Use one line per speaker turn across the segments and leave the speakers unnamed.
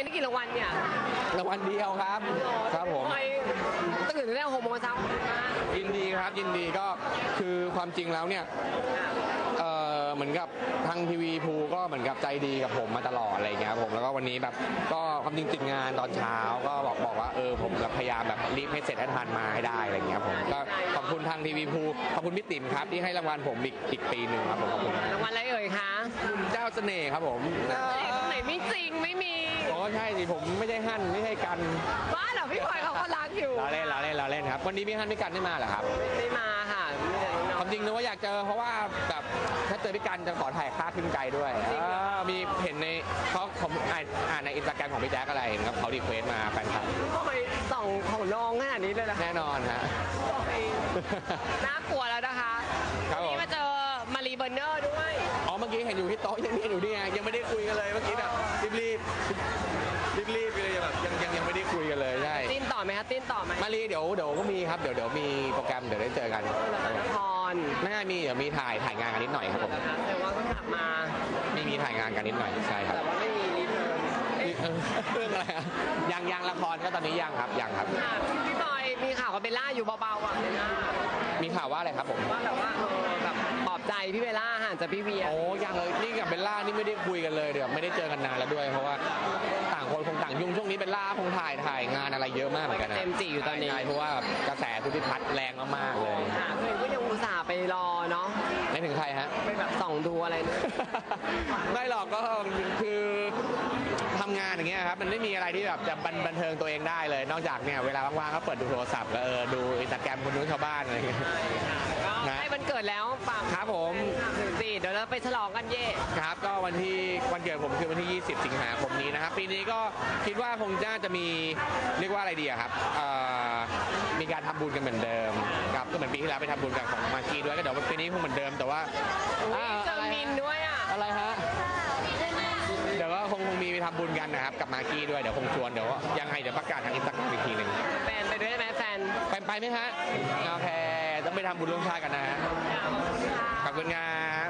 ได้กี่รางวัลเนี่ย
รางวัลเดียวครับครับผม
ตื่นตั้งแต่6 โมงเช้า
ยินดีครับยินดีก็คือความจริงแล้วเนี่ยเหมือนกับทางทีวีภูก็เหมือนกับใจดีกับผมมาตลอดอะไรเงี้ยผมแล้วก็วันนี้แบบก็ความจริงติดงานตอนเช้าก็บอกว่าผมพยายามแบบรีบให้เสร็จให้ทันมาให้ได้อะไรเงี้ยผมก็ขอบคุณทางทีวีภูขอบคุณพี่ติ๋มครับที่ให้รางวัลผมอีกปีหนึ่งครับผมขอบคุณ
รางวัลอะไรเอ่ยคะ
เจ้าเสน่ห์ครับผม
ตรงไหนไม่จริงไม่มี
อ๋อใช่สิผมไม่ใช่ฮั่นไม่ใช่กัน
บ้าเหรอพี่พลอยเขาก็รักอยู่
เราเล่นครับวันนี้พี่ฮั่นพี่กันไม่มาเหรอครับ
ไม่มาค่ะ
ความจริงนึกว่าอยากเจอเพราะว่าแบบถ้าเจอพี่กันจะขอถ่ายภาพขึ้นไกลด้วยมีเห็นในเขาผมอ่านในอินสตาแกรมของพี่แจ๊กอะไรครับเขารีเควสมาแฟนคลับ
ทำไมส่องของน้องขนาดนี้เลยล่ะ
แน่นอนฮะ
น่ากลัวแล้วนะคะวันนี้มาเจอมารีเบอร์เนอร์ด้วย
อ๋อเมื่อกี้เห็นอยู่ที่โต๊ะยังเห็นอยู่นี่ไงยังไม่ได้คุยกันเลยเมื่อกี้แบบรีบเลยแบบยังไม่ได้คุยกันเลยใช่
ติ้นต่อไหมคะติ้นต่อไหม
มารีเดี๋ยวก็มีครับเดี๋ยวมีโปรแกรมเดี๋ยวได้เจอกัน
ละคร
ไม่มีเดี๋ยวมีถ่ายงานกันนิดหน่อยครับผม
แต่ว่าก็กลับมา
ไม่มีถ่ายงานกันนิดหน่อยใช่ครับ
แต่ว่าไม่มีรีเทิร์น
เรื่องอะไรยังละครก็ตอนนี้ยังครับ
พี่บอยมีข่าวกับเบลล่าอยู่เบาๆอ่ะเบลล่า
มีข่าวว่าอะไรครับผม
ว่าแบบว่าแบบปลอบใจพี่เบลล่าห่างจากพี่เวีย
โอ้ยังเลยนี่กับเบลล่านี่ไม่ได้คุยกันเลยเดี๋ยวไม่ได้เจอกันนานแล้วด้วยเพราะว่าต่างคนคงต่างยุ่งช่วงนี้เบลล่าคงถ่ายงานอะไรเยอะมากเหมือนกันนะ
เต็มจีอยู่ตอนนี้
เพราะว่ากระแสพุทธิพัฒน์แรงมากๆเลย
เพื่อนก็ยังอุตส่าห์ไปรอเนาะ
ไม่ถึงใครฮะ
ไปแบบส่องดูอะไรเนี่ย
ไม่หรอกก็คือทำงานอย่างเงี้ยครับมันไม่มีอะไรที่แบบจะบันเทิงตัวเองได้เลยนอกจากเนี่ยเวลาว่างๆก็เปิดดูโทรศัพท์แล้วดูอินสตาแกรมคนนู้นชาวบ้านอะไรเงี้ย
นะให้วันเกิดแล้วฝาก
ครับผม
เดี๋ยวเราไปฉลองกันเย่
ครับก็วันเกิดผมคือวันที่20 สิงหาคมนี้นะครับปีนี้ก็คิดว่าคงจะมีเรียกว่าอะไรดีครับมีการทำบุญกันเหมือนเดิมครับก็เหมือนปีที่แล้วไปทำบุญกับของมาคีด้วยก็เดี๋ยวปีนี้คงเหมือนเดิมแต่ว่า
เจอมินด้วย
อะไรฮะเดี๋ยวก็คงมีไปทำบุญกันนะครับกับมาคีด้วยเดี๋ยวคงชวนเดี๋ยวยังไงเดี๋ยวประกาศทางอินสตาแกรมอีกทีหนึ่ง
แฟนไปด้วยไหมแฟน
ไปไหมฮะโอเคต้องไปทำบุญร่วมชาติกันนะขอบคุณครับ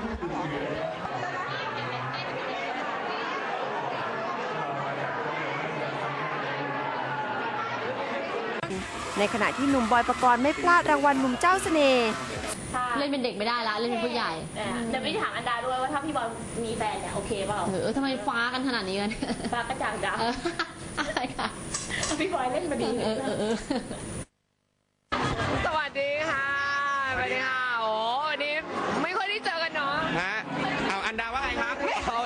ในขณะที่หนุ่มบอยปกรณ์ไม่พลาดรางวัลหนุ่มเจ้าเสน่ห์
เล่นเป็นเด็กไม่ได้ละเล่นเป็นผู้ใหญ่
เดี๋ยวไปถามอันดาด้วยว่าถ้าพี่บอลมีแฟนเนี่ยโอเคเปล่า
ทำไมฟ้ากันขนาดนี้กัน
ฟ้ากระจ่างด
ำอะไรค่ะ
พี่บอยเล่นมาดี
สวัสดีค่ะสวัสดีค่ะโอ้วันนี้ไม่ค่อยได้เจอกันเนาะ
ฮะเอาอันดาว่าไงครับ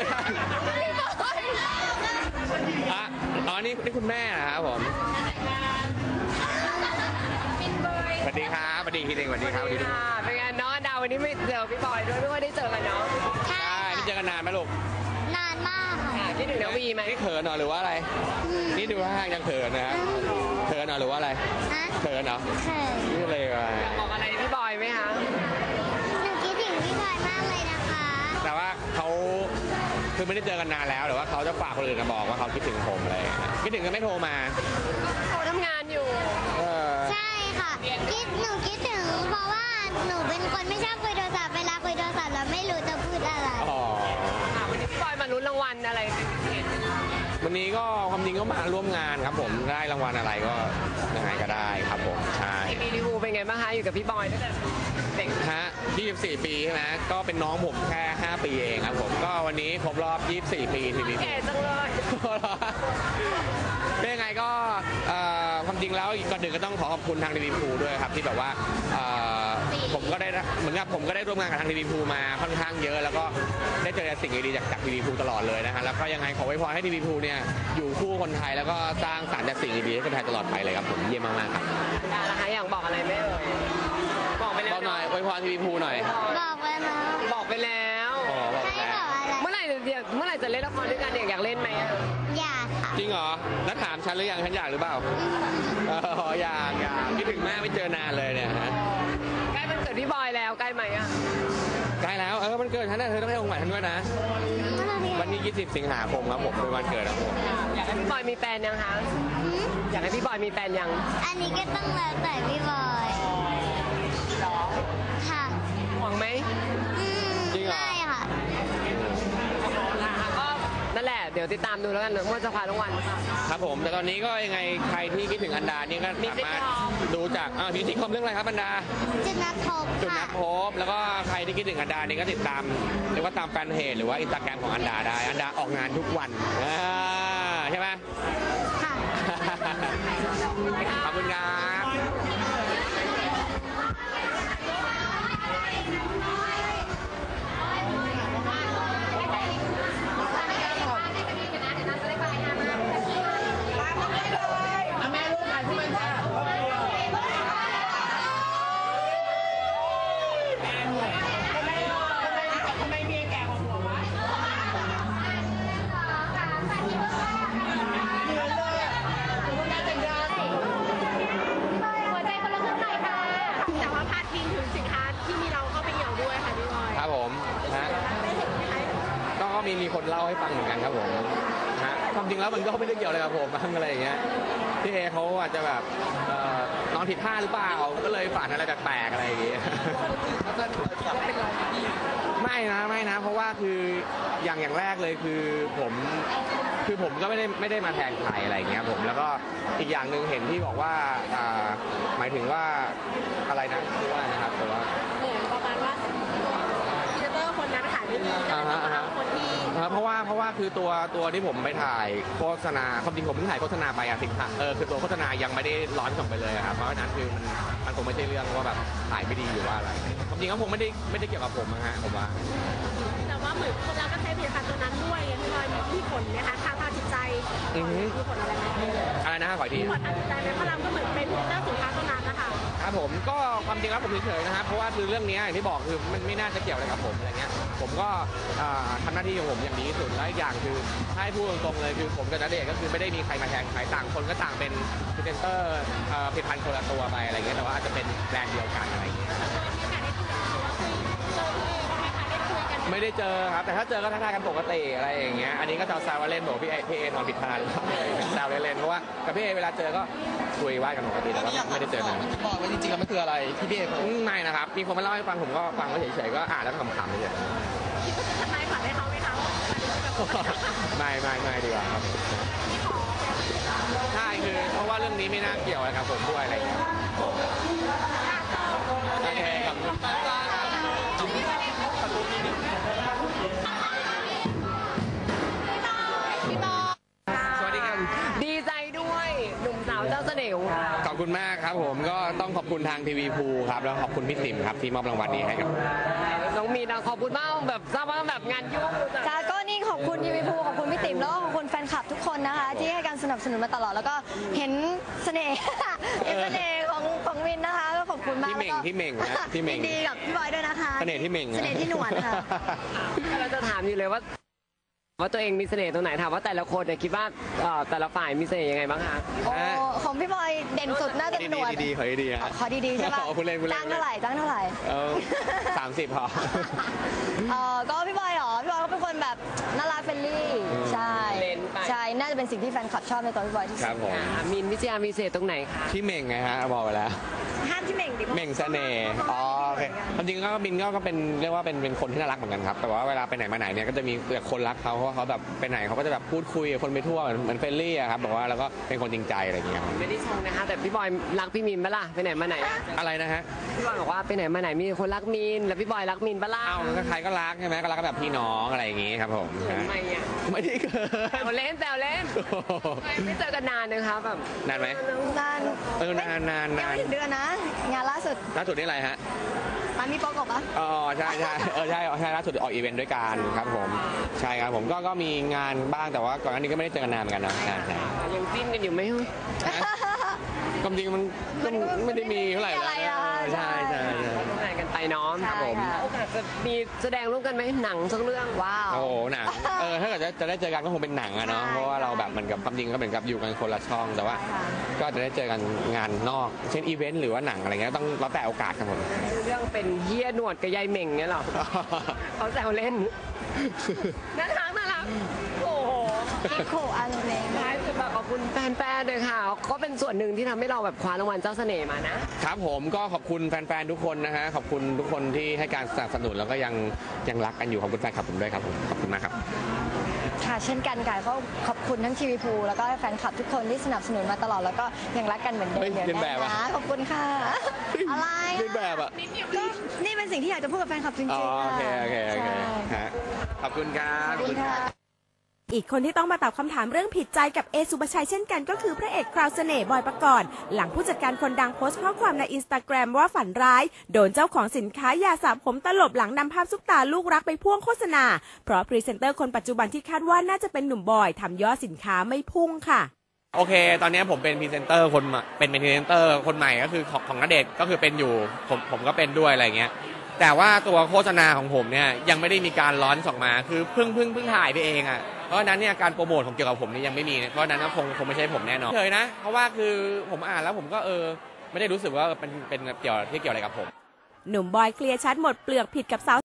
อ๋อนี่คุณแม่นะครับผมสวัสดีครับสวัสดีทีเด็กสวัสดีครับ
เป็นไงน้องอันดาวันนี้ไม่เจอพี่บอยด้วยไม่ค่อยได้เจอกันเนาะ
ใช่นี่เจอกันนานไหมลูก
นานมากค่ะ
คิดถึงนาวีไหม
นี่เขินเหรอหรือว่าอะไรนี่ดูท่ายังเขินนะครับเขินเหรอหรือว่าอะไรเขินเหรอนี่เลย
อยากบอกอะไรพี่บอยไหมคะ
หนูคิดถึงพี่บอยมากเลยนะคะ
แต่ว่าเขาคือไม่ได้เจอกันนานแล้วหรือว่าเขาจะฝากคนอื่นมาบอกว่าเขาคิดถึงผมอะไรคิดถึงก็ไม่โทรมา
เขาทำงานอยู่
ใช่ค่ะหนูคิดถึงเพราะว่าหนูเป็นคนไม่ชอบคุยโทรศัพท์เวลาคุยโทรศัพท์แล้วไม่รู้จะพูดอะไร
วันนี้พี่บอยมาลุ้นรางวัลอะไร
วันนี้ก็ความจริงก็มาร่วมงานครับผมได้รางวัลอะไรก็ยังไงก็ได้ครับผมใช่
ทีวีภูเป็นไงบ้างคะอยู่กับพี่บอยตั้งแต่เด็ก
ฮะ24 ปีใช่ไหมก็เป็นน้องผมแค่5 ปีเองครับผมก็วันนี้ครบรอบ24 ปีทีวีภู
แก่จังเลย
เป็นยังไงก็ความจริงแล้วก่อนอื่นก็ต้องขอขอบคุณทางทีวีภูด้วยครับที่แบบว่าผมก็ได้เหมือนกับผมก็ได้ร่วมงานกับทางทีวีภูมาค่อนข้างเยอะแล้วก็ได้เจอสิ่งดีๆจากทีวีภูตลอดเลยนะฮะแล้วก็ยังไงขอไว้พรให้ทีวีภูเนี่ยอยู่คู่คนไทยแล้วก็สร้างสรรค์จากสิ่งดีๆให้คนไทยตลอดไปเลยครับผมเยี่ยมมากๆครับ
นะคะอยากบอกอะไรไหมบอกไปแล้ว
หน่อยไว้พรทีวีภูหน่อย
บอกไปแล้ว
บอกไปแล้วเมื่อไหร่จะเล่นละครด้วยกันอยากเล่นไหม
อยาก
จริงเหรอแล้วถามฉันหรือยังฉันอยากหรือเปล่าอยากคิดถึงแม่ไม่เจอนานเลยเนี่ยฮะ
ใกล้วันเกิดพี่บอยแล้วใกล้ไหม
ใกล้แล้วมันเกิดฉันเธอต้องให้ของขวัญฉันด้วยนะวันนี้20 สิงหาคมครับผมเป็นวันเกิดของผม
อยากให้พี่บอยมีแฟนยังคะอยากให้พี่บอยมีแฟนยัง
อันนี้ก็ต้องแล้วแต่พี่บอยค่ะ
หวังไหม
จริงเหรอ
ใช่ค่ะก็นั่นแหละเดี๋ยวติดตามดูแล้วกันว่าจะคว้ารางวัลหรือเปล่า
ครับผมแต่ตอนนี้ก็ยังไงใครที่คิดถึงอันดานี่ก็สามารถดูจากมีซิทคอมเรื่องอะไรครับอันดา
จุดนัดพบ
จุด
ค่ะ
นัดพบแล้วก็ใครที่คิดถึงอันดานี่ก็ติดตามหรือว่าตามแฟนเพจหรือว่าอินสตาแกรมของอันดาได้อันดาออกงานทุกวันใช่ไหม
ค่ะ
ขอบคุณครับ
หัวใจคนละครึ่งหน่อยค่ะ แต่ว่าพาดพิงถึงสินค้าที่มีเราเข้าไปเหี่ยวด้วยค่ะพี่บอย
ครับผมฮะก็มีคนเล่าให้ฟังเหมือนกันครับผมฮะความจริงแล้วมันก็ไม่ได้เกี่ยวอะไรกับผมบ้างอะไรอย่างเงี้ยพี่เอเขาอาจจะแบบนอนผิดท่าหรือเปล่าก็เลยฝันอะไรแปลกๆอะไรอย่างเงี้ยไม่นะเพราะว่าคืออย่างแรกเลยคือผมก็ไม่ได้มาแทนใครอะไรอย่างเงี้ยผมแล้วก็อีกอย่างหนึ่งเห็นที่บอกว่าหมายถึงว่าอะไรนะคือว่านะครับแต่ว่า
เหมือนประมาณว่าพรีเซนเตอร์คนนั้นขายไม่ดีคนที่
เพราะว่าคือตัวที่ผมไปถ่ายโฆษณาความจริงผมเพิ่งถ่ายโฆษณาไปสินค้าคือตัวโฆษณายังไม่ได้ร้อนส่งไปเลยครับเพราะฉะนั้นคือมันคงไม่ใช่เรื่องว่าแบบถ่ายไม่ดีหรือว่าอะไรความจริงก็คงไม่ได้เกี่ยวกับผมนะฮะผมว่า
แต่ว่าเหมือนคนเราก็ใช้ผลิตภัณฑ์ตัวนั้นด้วยพี่บอยมีผลนะคะทางจิตใจมีผลอะไรไหม
อะไรนะขออีกที
ผลทางจิตใจไหมเพราะเราก็เหมือนเป็นพรีเซนเตอร์สินค้าตัวนั้นนะคะ
ครับผมก็ความจริงแล้วผมเฉยๆนะครับเพราะว่าคือเรื่องนี้อย่างที่บอกคือมันไม่น่าจะเกี่ยวอะไรกับผมอะไรเงี้ยผมก็ทำหน้าที่ของผมอย่างดีที่สุดและอีกอย่างคือถ้าให้พูดตรงๆเลยคือผมกับณเดชน์ก็คือไม่ได้มีใครมาแทนใครต่างคนก็ต่างเป็นพรีเซนเตอร์ผลิตภัณฑ์คนละตัวไปอะไรเงี้ยแต่ว่าอาจจะเป็นแบรนด์เดียวกันอะไรเงี้ยไม่ได้เจอครับแต่ถ้าเจอก็ทักทายกันปกติอะไรอย่างเงี้ยอันนี้ก็แซวๆว่าเล่นบอกพี่เอนอนผิดทางแซวเล่นๆเพราะว่ากับพี่เอเวลาเจอก็คุยว่ากันปกติแต่ว่าไม่ได้เจอนาน
บอกว่าจริงๆแล้วมันคืออะไรที่พี่เอ
ไม่นะครับมีคนมาเล่าให้ฟังผมก็ฟังก็เฉยๆก็อ่านแล้วก็ขำๆเฉย
คิดว่าจะทำนายฝันให้เขาไหมคะ
ๆไม่ดีกว่าครับใช่คือเพราะว่าเรื่องนี้ไม่น่าเกี่ยวอะไรกับผมด้วยอะไรอย่างเงี้ยโอเคขอบคุณสวัสดีครับ
ดีใจด้วยหนุ่มสาวเจ้าเสน่ห์
ขอบคุณมากครับผมก็ต้องขอบคุณทางทีวีภูครับแล้วขอบคุณพี่ติ๋มครับที่มอบรางวัลนี้ให้กับ
น้องมีนขอบคุณมากแบบทราบว่าแบบงานยุ่ง
จ้าก็นี่ขอบคุณทีวีภูขอบคุณพี่ติ๋มแล้วก็ขอบคุณแฟนคลับทุกคนนะคะ ที่ให้การสนับสนุนมาตลอดแล้วก็เห็นเสน่ห์ เห็นเสน่ห์ของวินนะคะก็ขอบคุณมาก
พี่เหม่งนะพี่เหม่ง
ยินดีกับพี่บอยด้วยนะคะ
เสน่ห์ที่เหม่ง
เสน่ห์ที่หนวดค่ะ
เราจะถามอยู่เลยว่าตัวเองมีเสน่ห์ตรงไหนถามว่าแต่ละคนเนี่ยคิดว่าแต่ละฝ่ายมีเสน่ห์ยังไงบ้างคะ
โอ้ของพี่บอยเด่นสุดน่าจะหนวด
ดีๆขอดีๆฮะ
ขอดีๆใช่ปะ
พูดเล่น
จ้างเท่าไหร่จ้างเท่าไหร่
30พอ
ก็พี่บอยเหรอพี่บอยก็เป็นคนแบบน่ารักเฟรนลี่ใช่ใช่น่าจะเป็นสิ่งที่แฟนคลับชอบในตัวพี่บอยที่
ค
สุ
รั
ด
บผม
มินพิชยามีเสน่ห์ตรงไหนคะ
ที่เหม่งไงฮะบอกไปแล้ว
ห้ามที่เหม่งดิ
เหม่งเสน่ห์อ๋อโอเคความจริงก็บินก็เป็นเรียกว่าเป็นคนที่น่ารักเหมือนกันครับแต่ว่าเวลาไปไหนมาไหนเนี่ยก็จะมีคนรักเขาเพราะว่าเขาแบบไปไหนเขาก็จะแบบพูดคุยกับคนไปทั่วเหมือนเฟรนลี่อะครับบอกว่าแล้วก็เป็นคนจริงใจอะไรอย่างเงี้ยครับ
ไม่ได้ชงนะคะแต่พี่บอยรักพี่มินปะล่ะไปไหนมาไหน
อะไรนะฮะ
พี่บอยบอกว่าไปไหนมาไหนมีคนรักมินแล้วพี่บอยรักมินปะล่ะ
เอ้าก็ใครก็รักใช่ไหมก็รักกันแบบพี่น้องอะไรอย่างงี้ครับผม
ทำไมอ่ะ
ไม่ได้เกิ
แซ
น
วเล่นไม่เจอกันนานนะคะแบบ
นานไหม
นาน
นาน
ยังไม่ถึงเดือนนะ งานล่าสุด
ล่าสุดนี่อะไรฮะ
มันมีโปรกบปะ
อ๋อใช่ล่าสุดออกอีเวนต์ด้วยกันครับผมใช่ครับผมก็มีงานบ้างแต่ว่าก่อนหน้านี้ก็ไม่ได้เจอกันนานเหมือนกันนะใช่
ยังจิ้นกันอยู่ไหม
ความจริงมันก็ไม่ได้มีเท่าไหร่
อะไรอะ
ใช่
ไหนกันไปเน้อง
ครับผม
โอกาสจะมีแสดงร่วมกันไหมหนังสักเรื่อง
ว้าว
โอ้โหหนังถ้าเกิดจะได้เจอกันก็คงเป็นหนังอะเนาะ
ใช่
เพราะว่าเราแบบเหมือนกับความจริงก็เหมือนกับอยู่กันคนละช่องแต่ว่า
ใช่ค่ะ
ก็จะได้เจอกันงานนอก เช่นอีเวนต์หรือว่าหนังอะไรเงี้ยต้องแล้วแต่โอกาสครับผม
เรื่องเป็นเฮียหนวดกับยายเหม่งเนี่ยหรอเขาแซวเล่นน่ารักโอ้โห
คิโคอาโนเมะ
ท้ายสุดแบบขอบคุณแฟนๆเลยค่ะก็เป็นส่วนหนึ่งที่ทำให้เราแบบคว้ารางวัลเจ้าเสน่ห์มานะครับ
ผมก็ขอบคุณแฟนๆทุกคนนะฮะขอบคุณทุกคนที่ให้การสนับสนุนแล้วก็ยังรักกันอยู่ขอบคุณแฟนคลับผมด้วยครับผมขอบคุณมากครับ
ค่ะเช่นกันค่ะก็ขอบคุณทั้งทีวีพูแล้วก็แฟนคลับทุกคนที่สนับสนุนมาตลอดแล้วก็ยังรักกันเหมือนเดิม
เฮ้ย
เดี๋ยว
เรียนแบบ
แน่
อะ
นะขอบคุณค่ะอะไร
เรียนแบบอ่ะ
ก็นี่เป็นสิ่งที่อยากจะพูดกับแฟนคลับจริง
อ๋อ
ๆ
โอเค
ค่ะ
โอเคโอเค
ใช่
ฮะขอบคุณครับ
ขอบคุณค่ะ
อีกคนที่ต้องมาตอบคำถามเรื่องผิดใจกับเอสุภชัยเช่นกันก็คือพระเอกคราวเสน่ห์บอยปกรณ์หลังผู้จัดการคนดังโพสต์ข้อความในอินสตาแกรมว่าฝันร้ายโดนเจ้าของสินค้ายาสระผมตลบหลังนำภาพซุปตาลูกรักไปพ่วงโฆษณาเพราะพรีเซนเตอร์คนปัจจุบันที่คาดว่าน่าจะเป็นหนุ่มบอยทำยอดสินค้าไม่พุ่งค่ะ
โอเค ตอนนี้ผมเป็นพรีเซนเตอร์คนใหม่เป็นพรีเซนเตอร์คนใหม่ก็คือของณเดชน์ก็คือเป็นอยู่ผมก็เป็นด้วยอะไรเงี้ยแต่ว่าตัวโฆษณาของผมเนี่ยยังไม่ได้มีการลอนช์ออกมาคือเพิ่งถ่ายไปเองอ่ะเพราะฉะนั้นเนี่ยการโปรโมทของเกี่ยวกับผมนี่ยังไม่มีเพราะฉะนั้นคงไม่ใช่ผมแน่นอนเลยนะเพราะว่าคือผมอ่านแล้วผมก็ไม่ได้รู้สึกว่าเป็นเกี่ยวอะไรกับผม
หนุ่มบอยเคลียร์ชัดหมดเปลือกผิดกับสาว